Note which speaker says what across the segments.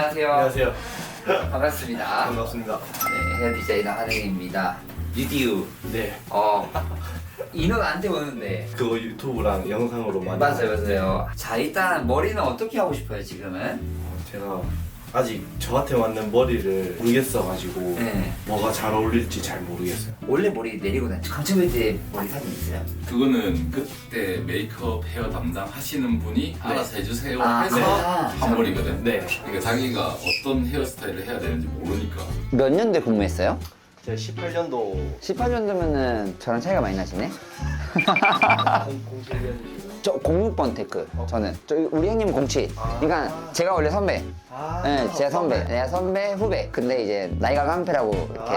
Speaker 1: 안녕하세요.
Speaker 2: 안녕하세요.
Speaker 1: 반갑습니다.
Speaker 2: 반갑습니다.
Speaker 1: 네, 헤어 디자이너 한혜입니다. 유디유.
Speaker 2: 네.
Speaker 1: 인원한테 오는데.
Speaker 2: 그거 유튜브랑 영상으로 많이
Speaker 1: 맞아요. 자, 일단 머리는 어떻게 하고 싶어요, 지금은?
Speaker 2: 제가 아직 저한테 맞는 머리를 모르겠어가지고
Speaker 1: 네.
Speaker 2: 뭐가 잘 어울릴지 잘 모르겠어요.
Speaker 1: 원래 머리 내리고 다니죠. 강철배 때 머리 사진 있어요?
Speaker 3: 그거는 그때 메이크업 헤어 담당하시는 분이 알아서 해주세요 해서
Speaker 1: 네.
Speaker 3: 한 머리거든.
Speaker 2: 네.
Speaker 3: 그러니까 자기가 어떤 헤어스타일을 해야 되는지 모르니까.
Speaker 4: 몇 년대 근무했어요?
Speaker 2: 제가 18년도
Speaker 4: 18년도면은 저랑 차이가 많이 나시네?
Speaker 2: 07년이고요.
Speaker 4: 저 06번 테크 저는 우리 형님 07 그러니까 제가 원래 선배 네, 제가 선배 내가 선배 후배 근데 이제 나이가 깡패라고 이렇게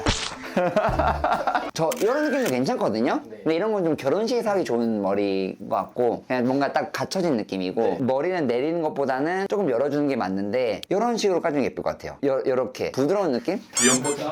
Speaker 4: 저 이런 느낌도 괜찮거든요?
Speaker 2: 네.
Speaker 4: 근데 이런 건 좀 결혼식에서 하기 좋은 머리인 것 같고 그냥 뭔가 딱 갖춰진 느낌이고
Speaker 2: 네.
Speaker 4: 머리는 내리는 것보다는 조금 열어주는 게 맞는데 이런 식으로 까주는 게 예쁠 것 같아요 요렇게 부드러운 느낌?
Speaker 3: 귀염보자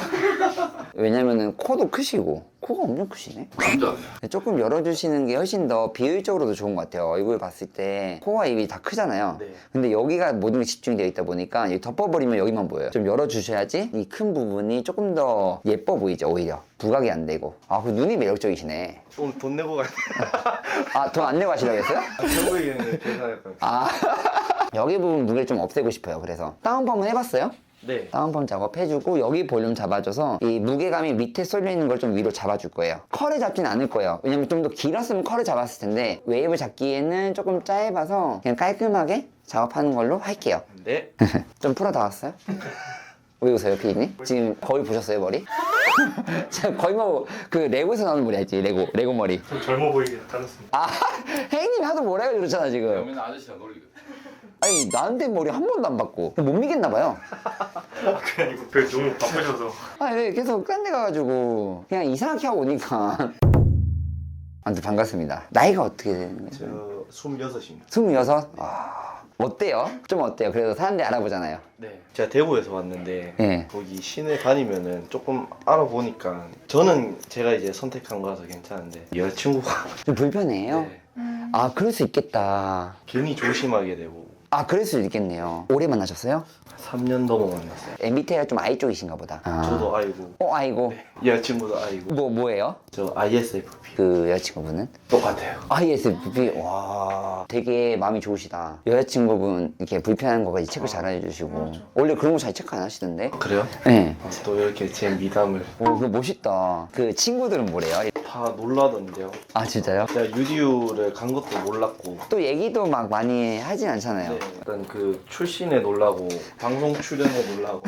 Speaker 4: 왜냐면은 코도 크시고 코가 엄청 크시네
Speaker 3: 남자네.
Speaker 4: 조금 열어주시는 게 훨씬 더 비효율적으로도 좋은 것 같아요 얼굴 봤을 때 코와 입이 다 크잖아요
Speaker 2: 네.
Speaker 4: 근데 여기가 모든 게 집중되어 있다 보니까 여기 덮어버리면 여기만 보여요 좀 열어주셔야지 이 큰 부분이 조금 더 예뻐 보이죠 오히려 부각이 안 되고 그 눈이 매력적이시네
Speaker 2: 오늘 돈 내고 가야 돼.
Speaker 4: 돈 안 내고 하시려고 했어요?
Speaker 2: 결국에는 계산할 거예요.
Speaker 4: 여기 부분 무게를 좀 없애고 싶어요 그래서 다운펌은 해봤어요?
Speaker 2: 네.
Speaker 4: 다운펌 작업해주고 여기 볼륨 잡아줘서 이 무게감이 밑에 쏠려있는 걸 좀 위로 잡아줄 거예요 컬을 잡진 않을 거예요 왜냐면 좀 더 길었으면 컬을 잡았을 텐데 웨이브 잡기에는 조금 짧아서 그냥 깔끔하게 작업하는 걸로 할게요
Speaker 2: 네.
Speaker 4: 좀 풀어 닿았어요? 왜 웃어요 피디님? 지금 거의 보셨어요 머리? 제가 거의 뭐 그 레고에서 나오는 머리 알지? 레고 머리
Speaker 2: 좀 젊어 보이게 잘랐습니다.
Speaker 4: 혜인님이 하도 뭐라 해가지고 그렇잖아 지금
Speaker 3: 그러면 아저씨랑 놀리거든.
Speaker 4: 아니 나한테 머리 한 번도 안 받고 못 믿겠나 봐요
Speaker 2: 그게 아니고 별 너무 바쁘셔서.
Speaker 4: 왜 계속 딴 데 가가지고 그냥 이상하게 하고 오니까 아무튼 반갑습니다 나이가 어떻게 되는 거죠?
Speaker 2: 저 26입니다.
Speaker 4: 26? 어때요? 좀 어때요? 그래도 사람들이 알아보잖아요
Speaker 2: 네. 제가 대구에서 왔는데
Speaker 4: 네.
Speaker 2: 거기 시내 다니면은 조금 알아보니까 저는 제가 이제 선택한 거라서 괜찮은데 여자친구가
Speaker 4: 좀 불편해요?
Speaker 2: 네.
Speaker 4: 그럴 수 있겠다
Speaker 2: 괜히 조심하게 되고
Speaker 4: 그럴 수 있겠네요 오래 만나셨어요?
Speaker 2: 3년 넘어 만났어요.
Speaker 4: MBTI가 좀 I 쪽이신가 보다
Speaker 2: 저도 아이고
Speaker 4: 아이고
Speaker 2: 여자친구도 아이고
Speaker 4: 뭐예요?
Speaker 2: 저 ISFP
Speaker 4: 그 여자친구분은?
Speaker 2: 똑같아요.
Speaker 4: ISFP? 와 되게 마음이 좋으시다 여자친구분 이렇게 불편한 거까지 체크 잘 해주시고 원래 그런 거 잘 체크 안 하시던데?
Speaker 2: 그래요?
Speaker 4: 네
Speaker 2: 또 이렇게 제 미담을
Speaker 4: 그거 멋있다 그 친구들은 뭐래요?
Speaker 2: 다 놀라던데요.
Speaker 4: 진짜요?
Speaker 2: 제가 유디유를 간 것도 몰랐고
Speaker 4: 또 얘기도 막 많이 하진 않잖아요
Speaker 2: 네, 일단 그 출신에 놀라고 방송 출연에 놀라고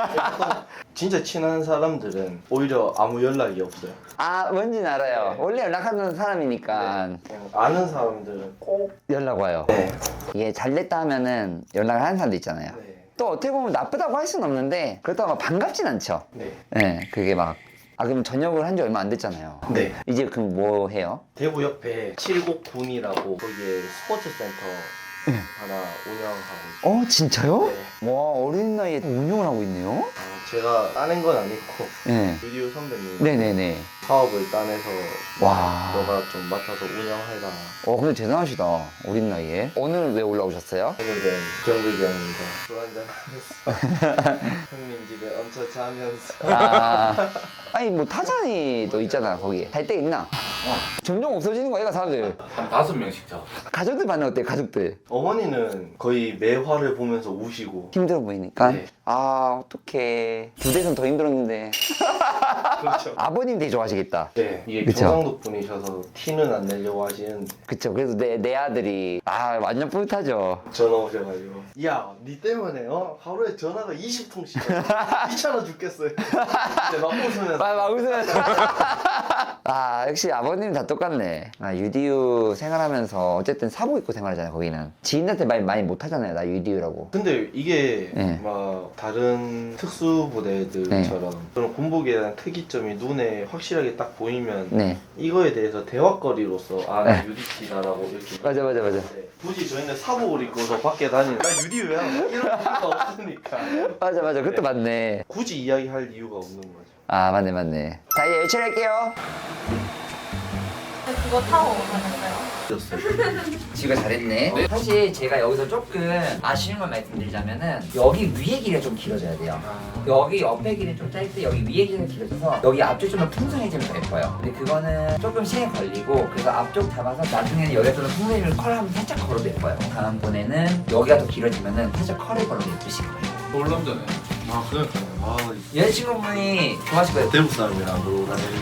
Speaker 2: 진짜 친한 사람들은 오히려 아무 연락이 없어요.
Speaker 4: 뭔진 알아요
Speaker 2: 네.
Speaker 4: 원래 연락하는 사람이니까
Speaker 2: 그냥 아는 사람들은 꼭
Speaker 4: 연락 와요
Speaker 2: 네.
Speaker 4: 이게 잘 됐다 하면은 연락을 하는 사람도 있잖아요
Speaker 2: 네.
Speaker 4: 또 어떻게 보면 나쁘다고 할 수는 없는데 그렇다고 막 반갑진 않죠
Speaker 2: 네.
Speaker 4: 네 그게 막 그럼 전역을 한 지 얼마 안 됐잖아요
Speaker 2: 네.
Speaker 4: 이제 그럼 뭐 해요?
Speaker 2: 대구 옆에 칠곡군이라고 거기에 스포츠 센터 하나 운영하고 있어요.
Speaker 4: 진짜요?
Speaker 2: 네.
Speaker 4: 와 어린 나이에 운영을 하고 있네요
Speaker 2: 제가 따낸 건 아니고
Speaker 4: 네
Speaker 2: 유디유 선배님
Speaker 4: 네네네
Speaker 2: 사업을 따내서
Speaker 4: 와
Speaker 2: 너가 좀 맡아서 운영해라.
Speaker 4: 근데 대단하시다 어린 나이에 오늘 왜 올라오셨어요?
Speaker 2: 오늘은 경비병입니다. 술 한잔 하면서 형님 집에 얹혀 자면서
Speaker 4: 아니 뭐 타잔이도 있잖아 거기 갈 데 있나? 점점 없어지는 거야 사람들
Speaker 3: 한 5명씩 자.
Speaker 4: 가족들 반응 어때요 가족들?
Speaker 2: 어머니는 거의 매화를 보면서 우시고
Speaker 4: 힘들어 보이니까?
Speaker 2: 네.
Speaker 4: 어떡해 두 대선 더 힘들었는데
Speaker 2: 그렇죠.
Speaker 4: 아버님 되게 좋아하시겠다
Speaker 2: 네, 이게
Speaker 4: 그쵸?
Speaker 2: 경상도 분이셔서 티는 안 내려고 하시는데
Speaker 4: 그쵸 그래서 내 아들이 완전 뿌듯하죠
Speaker 2: 전화 오셔가지고 야, 니 때문에 하루에 전화가 20통씩 귀찮아 죽겠어요. 근데 막 웃으면서
Speaker 4: 막 웃으면서 역시 아버님 다 똑같네 유디유 생활하면서 어쨌든 사복 입고 생활하잖아요 거기는 지인한테 말 많이 못하잖아요 나 유디유라고
Speaker 2: 근데 이게
Speaker 4: 네.
Speaker 2: 막 다른 특수부대들처럼 그런 군복에 대한 특이점이 눈에 확실하게 딱 보이면
Speaker 4: 네
Speaker 2: 이거에 대해서 대화거리로서 나 유디티다라고 이렇게
Speaker 4: 맞아
Speaker 2: 네. 굳이 저희는 사복을 입고서 밖에 다니는 나 유디유야 이런 이유가 없으니까
Speaker 4: 맞아 그것도 맞네
Speaker 2: 굳이 이야기할 이유가 없는 거죠.
Speaker 4: 맞네 자 이제 열처리할게요
Speaker 5: 그거 타고 가셨어요?
Speaker 1: 지가 잘했네.
Speaker 3: 네.
Speaker 1: 사실 제가 여기서 조금 아쉬운 걸 말씀드리자면은 여기 위에 길이가 좀 길어져야 돼요. 여기 옆에 길이는 좀 짧고 여기 위에 길이는 길어져서 여기 앞쪽 좀 더 풍성해지면 더 예뻐요. 근데 그거는 조금 시간이 걸리고 그래서 앞쪽 잡아서 나중에는 여기가 좀 풍성해지면 컬 한번 살짝 걸어도 예뻐요. 다음번에는 여기가 더 길어지면은 살짝 컬을 걸어도 예쁘실 거예요.
Speaker 3: 놀람전에
Speaker 2: 아 그러니까요. 아
Speaker 1: 여자친구분이 좋아하실 거예요.
Speaker 2: 대구 사람이랑 놀고 다니는.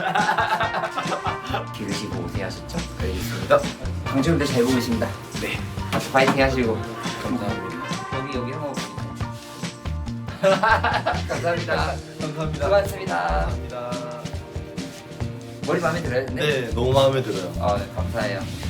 Speaker 1: 기르시고 오세요 하셨죠? 알겠습니다. 방송도 잘 보고 있습니다. 네. 같이 파이팅 하시고.
Speaker 3: 감사합니다.
Speaker 1: 여기 한번 감사합니다.
Speaker 2: 감사합니다.
Speaker 1: 수고하셨습니다.
Speaker 2: 감사합니다.
Speaker 1: 머리 마음에 들어요? 근데?
Speaker 2: 네, 너무 마음에 들어요.
Speaker 1: 감사해요.